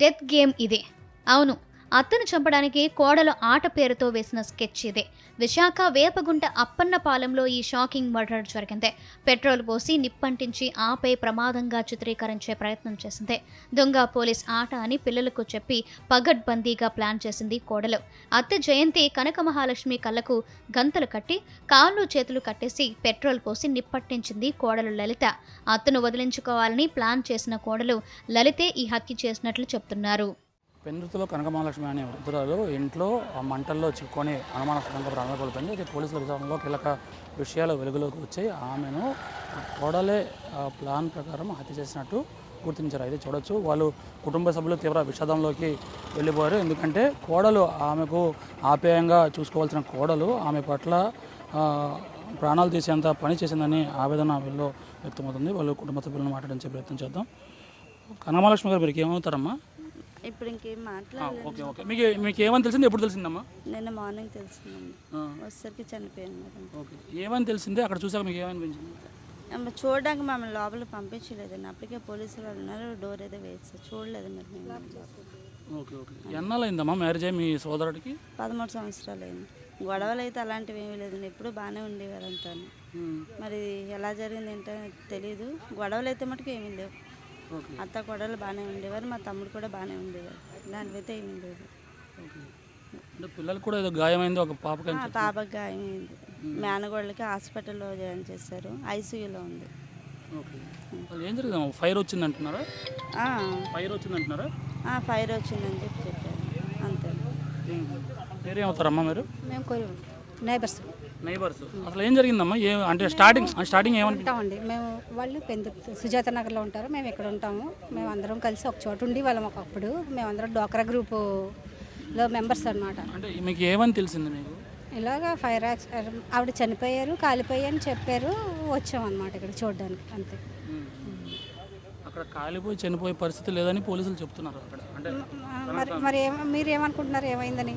Death game ఇదే. అవును, అత్తను చంపడానికి కోడలు ఆట పేరుతో వేసిన స్కెచ్ ఇదే. విశాఖ వేపగుంట అప్పన్నపాలెంలో ఈ షాకింగ్ మర్డర్ జరిగింది. పెట్రోల్ పోసి నిప్పంటించి ఆపై ప్రమాదంగా చిత్రీకరించే ప్రయత్నం చేసింది. దొంగ పోలీస్ ఆట అని పిల్లలకు చెప్పి పగడ్బందీగా ప్లాన్ చేసింది కోడలు. అత్తె జయంతి కనక మహాలక్ష్మి కళ్ళకు గంతలు కట్టి కాళ్ళు చేతులు కట్టేసి పెట్రోల్ పోసి నిప్పట్టించింది కోడలు లలిత. అత్తను వదిలించుకోవాలని ప్లాన్ చేసిన కోడలు లలితే ఈ హత్య చేసినట్లు చెప్తున్నారు. పెందుతులో కనక మహాలక్ష్మి అనే వృద్ధురాలు ఇంట్లో మంటల్లో చిక్కుకొని అనుమానాస్పదంగా ప్రాణాలు కోల్పోయింది. అయితే పోలీసుల విచారణలో కీలక విషయాలు వెలుగులోకి వచ్చాయి. ఆమెను కోడలే ప్లాన్ ప్రకారం హత్య చేసినట్టు గుర్తించారు. అయితే చూడొచ్చు, వాళ్ళు కుటుంబ సభ్యులు తీవ్ర విషాదంలోకి వెళ్ళిపోయారు. ఎందుకంటే కోడలు ఆమెకు ఆప్యాయంగా చూసుకోవాల్సిన కోడలు ఆమె పట్ల ప్రాణాలు తీసేంత పని చేసిందని ఆవేదన వీళ్ళు వ్యక్తమవుతుంది. వాళ్ళు కుటుంబ సభ్యులను మాట్లాడించే ప్రయత్నం చేద్దాం. కనకమహాలక్ష్మి గారు, మీరు ఏమవుతారమ్మా? ఇప్పుడు ఇంకేం మాట్లాడలేదు. ఓకే ఓకే మీకు ఏమని తెలిసింది? ఎప్పుడు తెలిసిందమ్మా? నిన్న మార్నింగ్ తెలిసిందండి. వచ్చేసరికి చనిపోయాను. ఓకే, ఏమని తెలిసింది? అక్కడ చూసాక మీకు ఏమనిపించింది? చూడడానికి మమ్మల్ని లోపల పంపించలేదండి. అప్పటికే పోలీసులు వాళ్ళు ఉన్నారు, డోర్ ఏదో వేస్తారు, చూడలేదు మరి మేము. ఓకే ఓకే, ఎన్నాళ్ళైందమ్మా మ్యారేజ్ అయ్యి మీ సోదరుడికి? 13 సంవత్సరాలు అయింది. గొడవలు అయితే అలాంటివి ఏమీ లేదండి, ఎప్పుడు బాగానే ఉండేవారు అంతా. మరి ఎలా జరిగింది ఏంటో తెలియదు. గొడవలు అయితే మటుకు ఏమీ లేవు. అత్త కోడలు బాగానే ఉండేవారు, మా తమ్ముడు కూడా బాగానే ఉండేవారు. ఇలాంటివైతే ఏమీ లేదు. పిల్లలకు కూడా ఏదో గాయమైంది, ఒక పాపకి పాపకి గాయమైంది. మేనగోళ్ళకి హాస్పిటల్లో జాయిన్ చేశారు, ఐసీయూలో ఉంది. ఏం జరిగింది? ఫైర్ వచ్చింది అంటున్నారా? ఫైర్ వచ్చిందని చెప్పి చెప్పారు, అంతే. మీరేమవుతారమ్మా మీరు? మేము నైబర్స్. అసలు ఏం జరిగిందమ్మా? అంటే స్టార్టింగ్ ఏమంటామండి మేము, వాళ్ళు సుజాత నగర్లో ఉంటారు, మేము ఇక్కడ ఉంటాము. మేము అందరం కలిసి ఒక చోట ఉండి వాళ్ళం ఒకప్పుడు. మేమందరం డోక్రా గ్రూపులో మెంబర్స్ అనమాట. అంటే మీకు ఏమని తెలిసింది మీకు? ఇలాగా ఫైర్ యాక్సిడెంట్, ఆవిడ చనిపోయారు, కాలిపోయి అని చెప్పారు. వచ్చామన్నమాట ఇక్కడ చూడడానికి, అంతే. అక్కడ కాలిపోయి చనిపోయే పరిస్థితి లేదని పోలీసులు చెప్తున్నారు అక్కడ. అంటే మరి మీరు ఏమనుకుంటున్నారు ఏమైందని?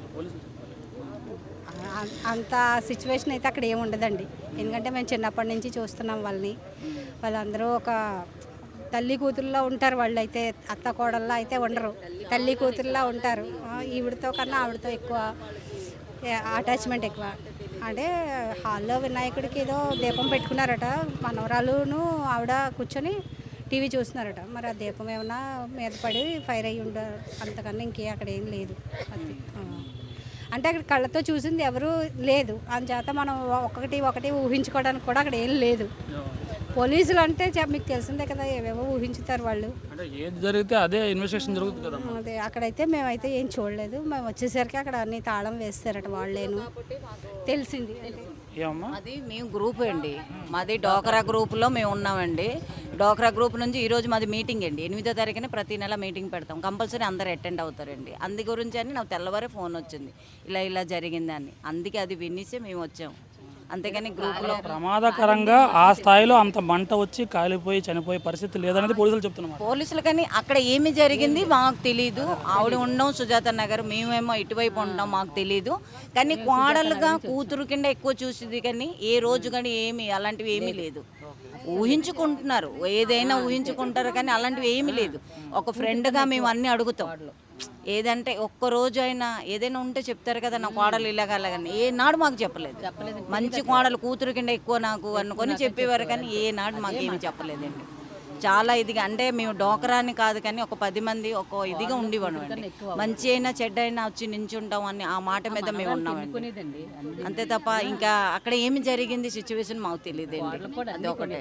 అంత సిచ్యువేషన్ అయితే అక్కడ ఏముండదండి. ఎందుకంటే మేము చిన్నప్పటి నుంచి చూస్తున్నాం వాళ్ళందరూ ఒక తల్లి కూతురులో ఉంటారు. వాళ్ళు అయితే అత్త కోడల్లో అయితే ఉండరు, తల్లి కూతురులా ఉంటారు. ఈవిడతో కన్నా ఆవిడతో ఎక్కువ అటాచ్మెంట్ ఎక్కువ. అంటే హాల్లో వినాయకుడికి ఏదో దీపం పెట్టుకున్నారట, మనవరాలును ఆవిడ కూర్చొని టీవీ చూస్తున్నారట. మరి ఆ దీపం ఏమన్నా మీద పడి ఫైర్ అయ్యి ఉండరు, అంతకన్నా ఇంకే అక్కడ ఏం లేదు. అది అంటే అక్కడ కళ్ళతో చూసింది ఎవరు లేదు, అందుచేత మనం ఒకటి ఊహించుకోవడానికి కూడా అక్కడ ఏం లేదు. పోలీసులు అంటే మీకు తెలిసిందే కదా, ఏవేవో ఊహించుతారు వాళ్ళు. ఏది జరిగితే అదే ఇన్వెస్టిగేషన్ జరుగుతుంది కదా. అదే అక్కడైతే మేమైతే ఏం చూడలేదు. మేము వచ్చేసరికి అక్కడ అన్ని తాళం వేస్తారట వాళ్ళేను, తెలిసింది. అది మేము గ్రూప్ అండి, మాది డోక్రా గ్రూప్లో మేము ఉన్నామండి. డోక్రా గ్రూప్ నుంచి ఈరోజు మాది మీటింగ్ అండి. 8వ తారీఖున ప్రతి నెల మీటింగ్ పెడతాం, కంపల్సరీ అందరు అటెండ్ అవుతారండి. అందు గురించి అని నాకు తెల్లవారే ఫోన్ వచ్చింది, ఇలా జరిగిందని. అందుకే అది వినేసి మేము వచ్చాము, అంతేగాని గ్రూప్లో ప్రమాదకరంగా ఆ స్థాయిలో అంత మంట వచ్చి కాలిపోయి చనిపోయే పరిస్థితి లేదనేది పోలీసులు చెప్తున్నారు. పోలీసులు కానీ అక్కడ ఏమి జరిగింది మాకు తెలీదు. ఆవిడ ఉన్నాం సుజాత నగర్, మేమేమో ఇటువైపు ఉంటాం, మాకు తెలీదు. కానీ కోడలుగా కూతురు కింద ఎక్కువ చూసింది, కానీ ఏ రోజు కానీ ఏమి అలాంటివి ఏమీ లేదు. ఊహించుకుంటున్నారు, ఏదైనా ఊహించుకుంటారు, కానీ అలాంటివి ఏమీ లేదు. ఒక ఫ్రెండ్గా మేము అన్నీ అడుగుతాం. ఏదంటే ఒక్కరోజు అయినా ఏదైనా ఉంటే చెప్తారు కదా, నా కోడలు ఇలాగలని. ఏనాడు మాకు చెప్పలేదు. మంచి కోడలు కూతురు కింద ఎక్కువ నాకు అనుకొని చెప్పేవారు, కానీ ఏనాడు మాకేమి చెప్పలేదండి. చాలా ఇదిగా, అంటే మేము డోకరాని కాదు కానీ ఒక 10 మంది ఒక ఇదిగా ఉండేవాడు అండి. మంచి అయినా చెడ్డ అయినా వచ్చి నించుంటాం అని ఆ మాట మీద మేము ఉన్నామండి, అంతే తప్ప ఇంకా అక్కడ ఏమి జరిగింది సిచ్యువేషన్ మాకు తెలియదండి. అది ఒకటే.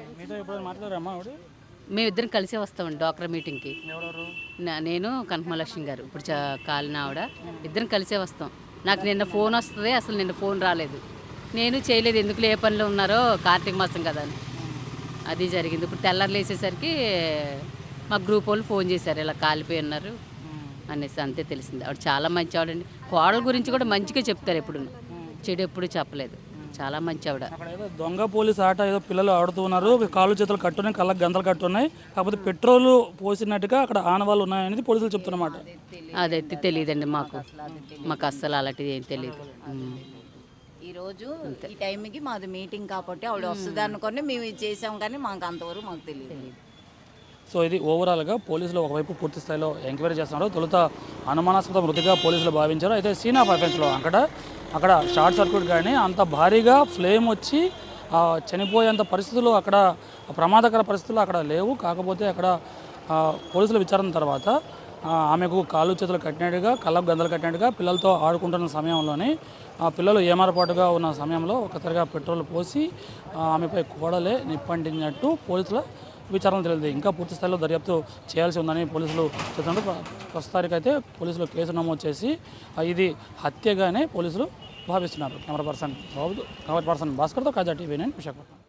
మేమిద్దరం కలిసే వస్తామండి డోక్రా మీటింగ్కి. నేను కనకమహాలక్ష్మి గారు, ఇప్పుడు కాలిన ఆవిడ, ఇద్దరం కలిసే వస్తాం. నాకు నిన్న ఫోన్ వస్తుంది, అసలు నిన్న ఫోన్ రాలేదు, నేను చేయలేదు. ఎందుకు ఏ పనిలో ఉన్నారో, కార్తీక మాసం కదా అని. అది జరిగింది. ఇప్పుడు తెల్లారు లేసేసరికి మా గ్రూప్ వాళ్ళు ఫోన్ చేశారు, ఇలా కాలిపోయి ఉన్నారు అనేసి, అంతే తెలిసింది. ఆవిడ చాలా మంచి ఆవిడండి. కోడల గురించి కూడా మంచిగా చెప్తారు, ఎప్పుడు చెడు ఎప్పుడు చెప్పలేదు. చాలా మంచి ఆవిడ. దొంగ పోలీస్ ఆట ఏదో పిల్లలు ఆడుతున్నారు, కాళ్ళు చేతులు కట్టున్నాయి, కళ్ళకి గంతలు కట్టున్నాయి, కాకపోతే పెట్రోల్ పోసినట్టుగా అక్కడ ఆనవాళ్ళు ఉన్నాయనేది పోలీసులు చెప్తున్నమాట. అదైతే తెలియదండి మాకు అస్సలు అలాంటిది ఏం తెలియదు. ఈరోజు ఈ టైంకి మాది మీటింగ్ కాబట్టి ఆవిడ వస్తుంది అనుకొని మేము ఇది చేసాం, కానీ మాకు అంతవరకు మాకు తెలియదు. సో ఇది ఓవరాల్గా పోలీసులు ఒకవైపు పూర్తి స్థాయిలో ఎంక్వైరీ చేస్తున్నారు. తొలుత అనుమానాస్పద మృతిగా పోలీసులు భావించారు. అయితే సీన్ ఆఫ్ అఫెన్స్లో అక్కడ షార్ట్ సర్క్యూట్ కానీ అంత భారీగా ఫ్లేమ్ వచ్చి చనిపోయేంత పరిస్థితులు అక్కడ ప్రమాదకర పరిస్థితులు అక్కడ లేవు. కాకపోతే అక్కడ పోలీసుల విచారణ తర్వాత ఆమెకు కాళ్ళు చేతులు కట్టినట్టుగా, కళ్ళకు గందలు కట్టినట్టుగా పిల్లలతో ఆడుకుంటున్న సమయంలోనే పిల్లలు ఏమారపాటుగా ఉన్న సమయంలో ఒకసారిగా పెట్రోల్ పోసి ఆమెపై కోడలే నిప్పంటినట్టు పోలీసుల విచారణ తెలియదు. ఇంకా పూర్తి స్థాయిలో దర్యాప్తు చేయాల్సి ఉందని పోలీసులు చెప్తున్నారు. ప్రస్తుతానికైతే పోలీసులు కేసు నమోదు చేసి ఇది హత్యగానే పోలీసులు భావిస్తున్నారు. కెమెరా పర్సన్ భాస్కర్తో కాజా TV9 విశాఖపట్నం.